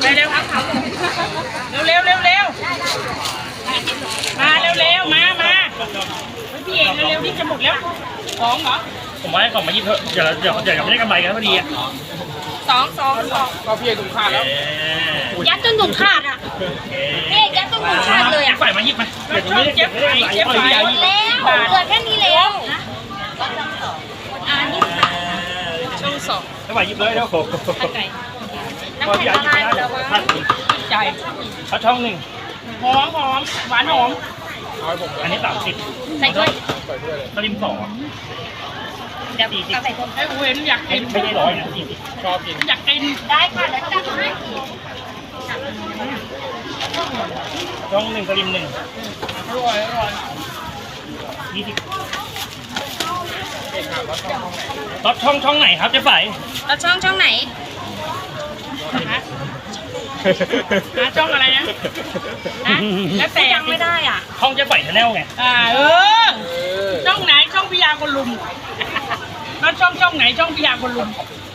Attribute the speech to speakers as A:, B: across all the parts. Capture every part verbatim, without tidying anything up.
A: เร็วเร็วเร็วเร็วมาเร็วเร็วมามาพี่เอกเร็วๆนี่จะหมดแล้วของเหรอ
B: ผมว่าให้ของมายิบเถอะเดี๋ยวเดี๋ยวเดี๋ยวไม่ได้กำไรกันพอดีอ่ะ
A: สองสองสอง
C: เราพี่เอกถุงขาดแล้ว
A: ยัดจนถุงขาดอ่ะพี่เอกยัดจนถุงขาดเลยอ่ะ
B: ใส่มายิบมาเดี๋ยวไม่ได้เก็บไม่ได้เก็บไป
A: แล้วเหลือแค่นี้แล้วอ่านี่ช่องสอง
B: ไม่ไหวยิบเลยแล้วโอ้โห
A: น้ำแข็งละลายแล้วว่าใจ
B: เขาช่องหนึ่ง
A: หอมหอมหวานหอม
B: อันนี้สามสิบ
A: ใส่ด้วย
B: สลิมสอง
A: เดี๋ยวเอาใส่คนให้เว้นอยากกิน
B: ไม่ได้ร้อยนะสี่สิบชอบกิน
A: อยากกินได้ค่ะแล้วจัดให้
B: ช่องหนึ่งสลิมหนึ่ง
A: อร่อยอร่อย
B: ยี่สิบรถช่องช่องไหนครับเจ๊ไฝ
A: รถช่องช่องไหนฮะช่องอะไรนะแล้วแต่ยังไม่ได้อ่ะ
B: ช่องเจ๊ไฝชาแนลไง
A: อ่าเออช่องไหนช่องพิยาคนลุมแล้วช่องช่องไหนช่องพิยาคนลุม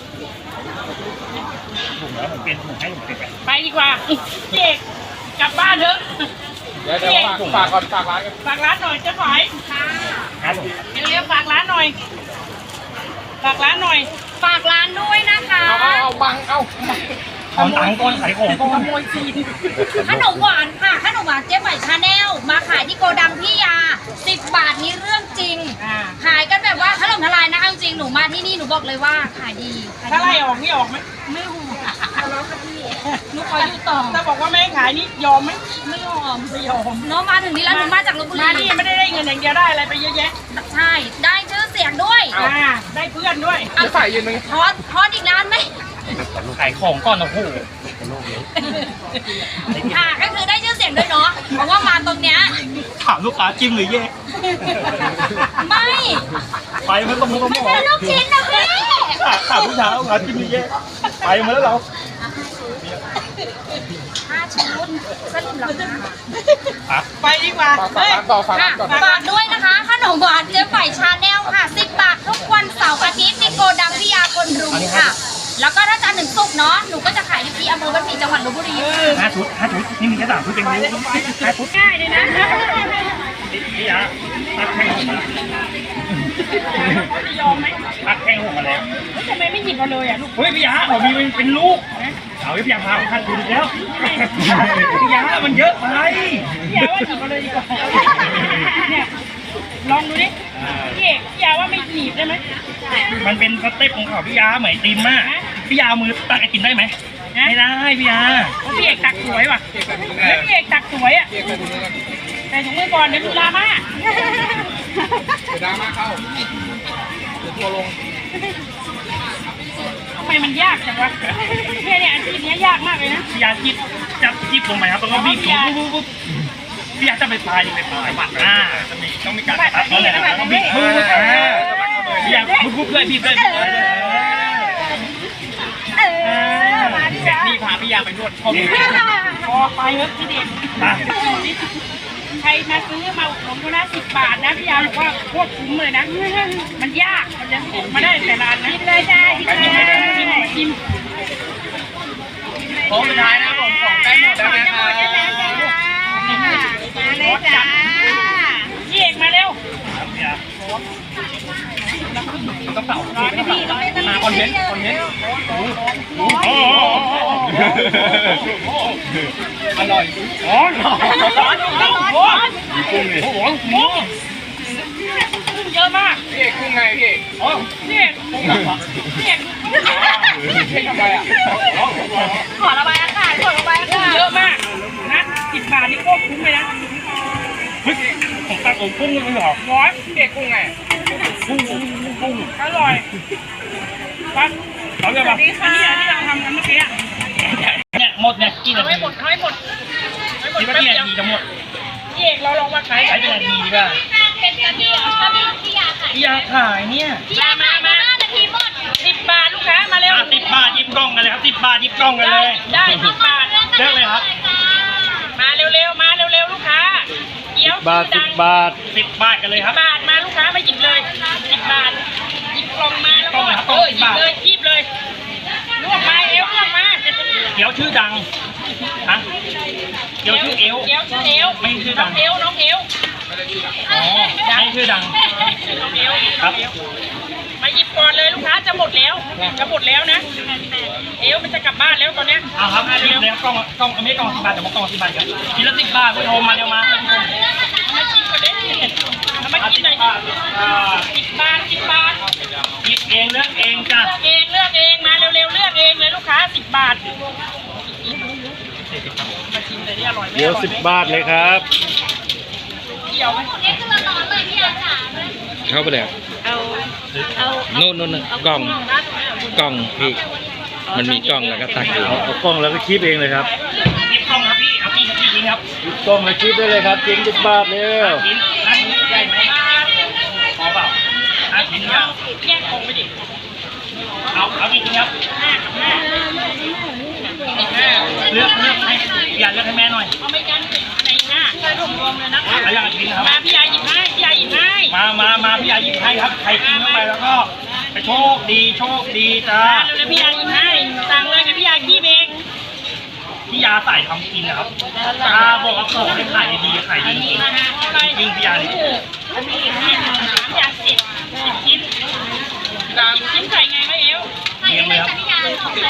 B: ผมแล้วผมเป็นผมให้ผมเป็น
A: ไปดีกว่าเจ๊กลับบ้านเถอะ
C: เดี๋ยวเดี๋ยวฝากก่อนฝากร้านกัน
A: ฝากร้านหน่อยเจ๊ไฝ
B: ครับผม
A: เร็วๆฝากร้านหน่อยฝากร้านหน่อยฝากร้านด้วยนะคะ
C: เอาเอาบังเอา
B: ขอตังค์ก่อนขายของก่อน
A: ขโมยซีนขนมหวานค่ะขนมหวานเจ๊ไฝชาแนลมาขายที่โกดังพี่ยาสิบบาทนี้เรื่องจริงขายกันแบบว่าถล่มทลายนะจริงหนูมาที่นี่หนูบอกเลยว่าขายดีถ้าไล่ออกนี่ออกไหมไม่ออกแล้วค่ะพี่หนูขออยู่ต่อถ้าบอกว่าไม่ขายนี่ยอมไหมไม่ยอมไม่ยอมเนาะมาถึงนี้แล้วหนูมาจากลพบุรีมานี่ไม่ได้ได้เงินอย่างเดียวได้อะไรไปเยอะแยะใช่ได้ชื่อเสียงด้วยได้เพื่อนด้วย
C: เอาใส่ยืนนึง
A: ทอดทอดอีกนานไหม
B: ขายของก่อนนะโอ้โห
A: ค่ะก็คือได้ชื่อเสียงด้วยเนาะเพราะว่ามาตรงเนี้ย
B: ถามลูกค้าจิ้มหรือแยก
A: ไม่
B: ไปมันต้องต้อง
A: มันเป็นลูกชิ้นนะพี่
B: ถามลูกค้าลูกค้าจิ้มหรือแยกไปมาแล้วเรา
A: ห้าชุดสลิมหรอ
B: คะ
A: ไปดีกว่า
C: ฝากร้านต่อฝากร้านก่อน
A: ฝากด้วยนะคะขนมหวานเจ๊ไฝชาแนลค่ะสิบบาททุกวันเสาร์อาทิตย์ที่โกดังพิยาคนรุมค่ะแล้วก็ถ้าจันทร์ถึงศุกร์เนาะหนูก็จะขายที่อำเภอบ้านหมี่จังหวัดลพบุรี
B: ห้าชุดห้าชุดนี่มีแค่สามชุดเองนะห้าชุด
A: ง่ายเลยนะ
B: พี่ยาตักแข้งหกมา
A: จะยอมไหม
B: ตักแข้งหกมาแล้ว
A: ทำไมไม่หยิบมาเลยอ่ะลูก
B: เฮ้ยพี่ยาผมมีเป็นลูกเอาพี่ยาพาขัดดูดิแล้วพี่ยามันเยอะไป
A: พี่ยาว่าหยิบมาเลยดีกว่าเนี่ยลองดูดิพี่เอกพี่ยาว่าไม่หนีบได้ไหม
B: มันเป็นสเต็ปของเขาพี่ยาเหมือนตีนมากพี่ยามือตักไอติมได้ไหมไม่ได้พี่ยา
A: พี่เอกตักสวยว่ะแล้วพี่เอกตักสวยอ่ะแต่ถุงมือก่อนเดี๋ยวดูดราม่า
C: เดี๋ยวดราม่าเข้าเดี๋ยวทัวร์ลง
A: ทำไมมันยากจังวะเนี่ยเนี่ยอาชีพนี้ยากมากเลยนะ
B: พี่ยาจิบจับจิบลงไปครับต้องบีบปุ๊บปุ๊บปุ๊บพี่ยาจะไปปลายไปปลายบัตรอ่าจะมีต้องมีการตัดแล้วแหละต้องบีบมืออ่าพี่ยาปุ๊บปุ๊บเลยบีบเลยเสร็จนี่พาพี่ยาไปนวดพอดี
A: พอไปเถอะพี่เด็กใครมาซื้อมาผมก็นะสิบบาทนะพี่ยาบอกว่าโคตรคุ้มเลยนะมันยากมันจะออกมาได้แต่ร้านนะกินเลยจ้ากินเลยกินกิน
C: ของสุดท้ายนะผมของใกล้หมดแล้วนะครับ
A: มาเลยจ้าพี่เอกมาเร็ว
B: ต้องเป่า
C: มาคอนเทนต์คอนเทนต์อร่อย
B: อ๋อมีกุ้งเลยโอ้โหกุ้ง
A: เยอะมาก
C: พี่เอกกุ้งไงพี่เอก
A: อ๋อพี่เอกพี่เอก
C: พี่ทำไมอ่ะ
A: ขอระบายอากาศขอระบายอากาศเยอะมากนะสิบบาทนี่โคตรคุ้มเลยนะ
B: เฮ้ยผมตักเอากุ้งเลยเหรอ
A: ร้อย
C: พี่เอกกุ้งไง
B: กุ้งกุ้งกุ้ง
A: อร่อยปั๊บ
B: เขาเรียกว่า
A: อันนี้ที่เราทำกันเมื่อกี้
B: เนี่ยหมดเนี่ยกี่นาที
A: ไม่หมดไม่หมด
B: คิดว่ากี่นาทีจะหมด
A: พี่เอกเราลองมาขาย
B: ใช้เป็นนาทีดีป่ะ
A: เป็นนาทีถ้าพี่พี่ยาขาย
B: พี่ยาขายเนี่ย
A: พี่ยามามานาทีหมดสิบบาทลูกค้ามาเร็ว
B: สิบบาทยิบกล้องกันเลยครับสิบบาทยิบกล้องกันเลย
A: ได้สิบบาท
B: เลือกเลยครับ
A: มาเร็วๆมาเร็วๆลูกค้าเกี๊ยว
B: บาทสิบบาทสิบบาทกันเลยครับ
A: บาทมาลูกค้ามาหยิบเลยสิบบาทหยิบกล่องมาแล้วก็เออหยิบเลยหยิบเลยลวกมาเอวลวกมา
B: เกี๊ยวชื่อดังฮะเกี๊ยวชื่อเอว
D: เกี๊ยวชื่อเอว
B: ไม่ชื่อ
D: น้
B: ดั
D: อง งเอวน้องเอว
B: อ๋อไม่ชื่อดัง
D: น้องเอว
B: ครับ
D: มาหยิบก่อนเลยลูกค้าจะหมดแล้วจะหมดแล้วนะเอวมันจะกลับบ้านแล้วตอนเนี้ย
B: เอาครับ
D: มา
B: รี
D: เร็
B: บ
D: ว
B: เลยครับกล้องกล้องไม่กล้องสิบบาทแต่ว่ากล้องสิบบาทครับชิ้นละสิบบาทผู้ชมมาเร็วมา
D: มากินก่อนเด้เอามากินหน่อย
B: บาทอ่า
D: สิบบาทสิบบาท
B: หยิบเองเลือกเองจ้ะ
D: เลือกเองเลือกเองมาเร็วๆเลือกเองเลยลูกค้าสิบบาทมาชิมเลยนี่อร่อยไหม
E: เดี๋ยวสิบบาทเลยครับ
D: เกี่ยวไหม
A: นี่คือร้อนเลยพี่อาจ๋า
E: เข้าไปเลย
D: เอาเอา
E: นู่นนู่นกล่องกล่องพี่มันมีกล่องแล้วก็ตักเองเอากล่องแล้วก็คีบเองเลยครับ
B: หยิบกล้องครับพี่เอาพี่พี่ยิงครับ
E: กล่องแล้วคีบได้เลยครับชิ้นสิบบาทเร็ว
B: ชิ้นห้าชิ้นใหญ่ไหมพอเปล่าห้าชิ้นเนี่ย
D: แยกกล่องไปดิ
B: เอาเอากี่ชิ้นครับ
D: ห้ากับห้าห้า
B: เลือกเลือกให้อย่าเลือกให้แม่หน่อย
D: เอาไม่กันในห้าใส่รวมรวมเลยนะคะ
B: เอาอย่างละชิ้นนะครับ
D: มาพี่ยาหยิบให้พี่ยาหยิบให้
B: มามามาพี่ยาหยิบให้ครับใครกินเข้าไปแล้วก็ไปโชคดีโชคดีจ้า
D: มาเร็วๆพี่ยาหยิบให้สั่งเลยกับพี่ยาขี้เอง
B: พี่ยาใส่ทำกินนะครับตาบอกว่าของให้ขายดีๆขายดีจริง
D: มาฮะอะไร
B: ๆจริงพี่ยานี่
D: อันนี้ห้าสามอย่างสิบสิบชิ้นสิบชิ้นใส่ไงก็เอว
B: เลี้ยงเลยครับ
A: พี่ยาสองเลย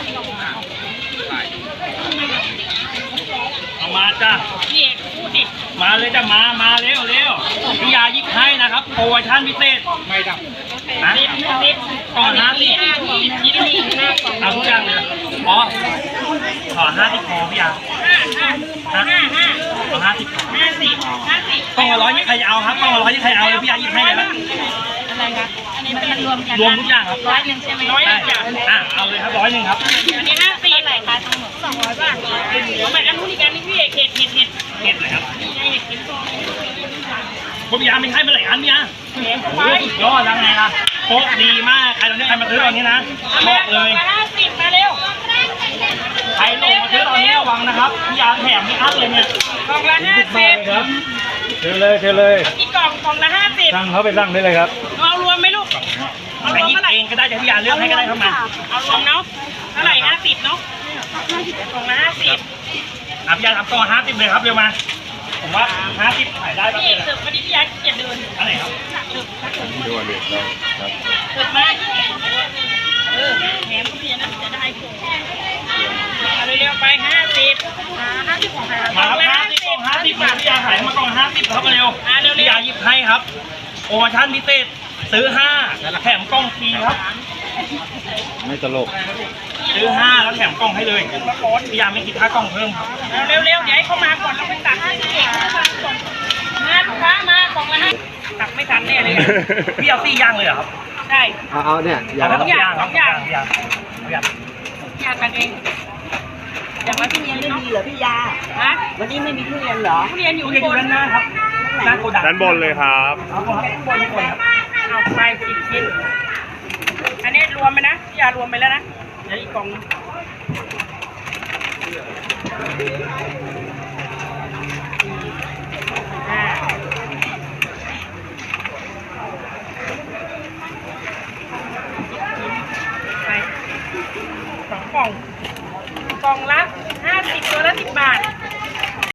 B: เอามาจ้า
D: พี่เอกพูดดิ
B: มาเลยจ้ะมามาเร็วเร็วพี่ยาหยิบให้นะครับโปรโมชั่นพิเศษ
C: ไม่ดับ
B: นะ
D: สิบสิบ
B: ก่อนนะสิ
D: สิบชิ้นนี่ห้าสอง
B: เอาทุกอย่างเลยอ๋อขอห้าสิบพอพี่ยา
D: ห้าห้าห้าห้า
B: ขอห้าสิบพอ
D: ห้าสิบห้าสิบ
B: กล้องละร้อยนี่ใครจะเอาครับกล้องละร้อยนี่ใครเอาเลยพี่ยาหยิบให้เลยนะ
D: อะไรคะอันนี้มันรวมกัน
B: รวมทุกอย่างครับ
D: ร้อยหนึ่งใช่ไหมร้อยห
B: ได้
D: นึ่งจ้ะ
B: อ่ะเอาเลยครับร้อยหนึ่งครับ
D: อันนี้ห้าสิบอะไรคะทั้งหมดสองร้อยบาทเอาไปอันนู้นอีกอันนี้พี่เอกเห็ดเห็ดเห็ด
B: เก็บเลยครับ
D: นี่ไงเห็ดเห็ด
B: ผมยาไม่ให้มาหลายอันเนี่ย
D: เห็ดเข้า
B: โอ้
D: ไป
B: ยสุดยอดแล้วไงล่ะโป๊ะดีมากใครตอนนี้ใครมาซื้อตอนนี้นะบอกเลย
D: มาห้าสิบมาเร็ว
B: ใครลงมาซื้อตอนนี้ระวังนะครับพี่ยาแถมไม่อั้นเลยเนี่ย
D: กล่องละห้าสิบ
E: ครับเชิญเลยเชิญเลย
D: กี่กล่องกล่องละห้าสิบ
E: สั่งเขาไปสั่งได้เลยครับ
D: เอารวมไหมลูกเอาร
B: ใคร
D: วม
B: หยิบ
D: เท่าไหร่
B: เองก็ได้แต่พี่ยาเลือกให้ก็ได้เข้ามา
D: เอารวมเนาะเท่าไหร่ห้าสิบเนาะกล่องละห้าสิบ
B: อ่ะพี่ยาทำต่อห้าสิบเลยครับเร็วมา ผมว่าห้าสิบขายได้ปะ
D: พี่เอ
B: เนี่ย
D: กเสิร์ฟวันนี้พี่ยักษ์เกียรติเดิน
B: อันไหนครับ
E: ดูอันนี้ครับ
D: เสิร์ฟมาเออแถมก็เพียนะจะได้ผงเอาเร็วๆไปห้าสิบห้าสิบของใคร
B: มาครับห้าสิบกล่องห้าสิบมาพี่ยาขายมากล่องห้าสิบครับเร็ว
D: อ่าเร็วๆ
B: พี่ยาหยิบให้ครับโปรโมชั่นพิเศษซื้อห้าแถมกล่องฟรีครับ
E: ไม่ตลก
B: ซื้อห้าแล้วแถมกล่องให้เลยพี่ยาไม่คิดค่ากล่องเพิ่มครับ
D: เร็วๆเดี๋ยวให้เขามาก่อนเราไปตักให้พี่เอกมาลูกค้ามากล่องละห้าตักไม่ทันแน่เลย
B: พี่เอาสี่ย่างเลยเหรอครับ
D: ใช่
E: เอาเอาเนี่ยอย่า
B: เอา
E: ง
B: สองอย่างครับสองอย่างพี่ยาพี่ยา
D: อยากกันเองอย่างละพี่เรียน
F: ไม่มีเหรอพี่ยา
D: ฮะ
F: วันนี้ไม่มีทุเรียนเหรอ
D: ทุเรียนอยู่
B: ทุเรียน
D: บ
B: อยู่
D: น
B: ด้านหน้าครับหน้าโกดัง
E: ด้านบนเลยครับ
B: เอาครับข้างบนข้างบนครับ
D: เอาไปสิบชิ้นอันนี้รวมไปนะพี่ยารวมไปแล้วนะเดี๋ยวอีกกล่องนึงอ่าไปสองกล่องกล่องละห้าสิบตัวละสิบบาท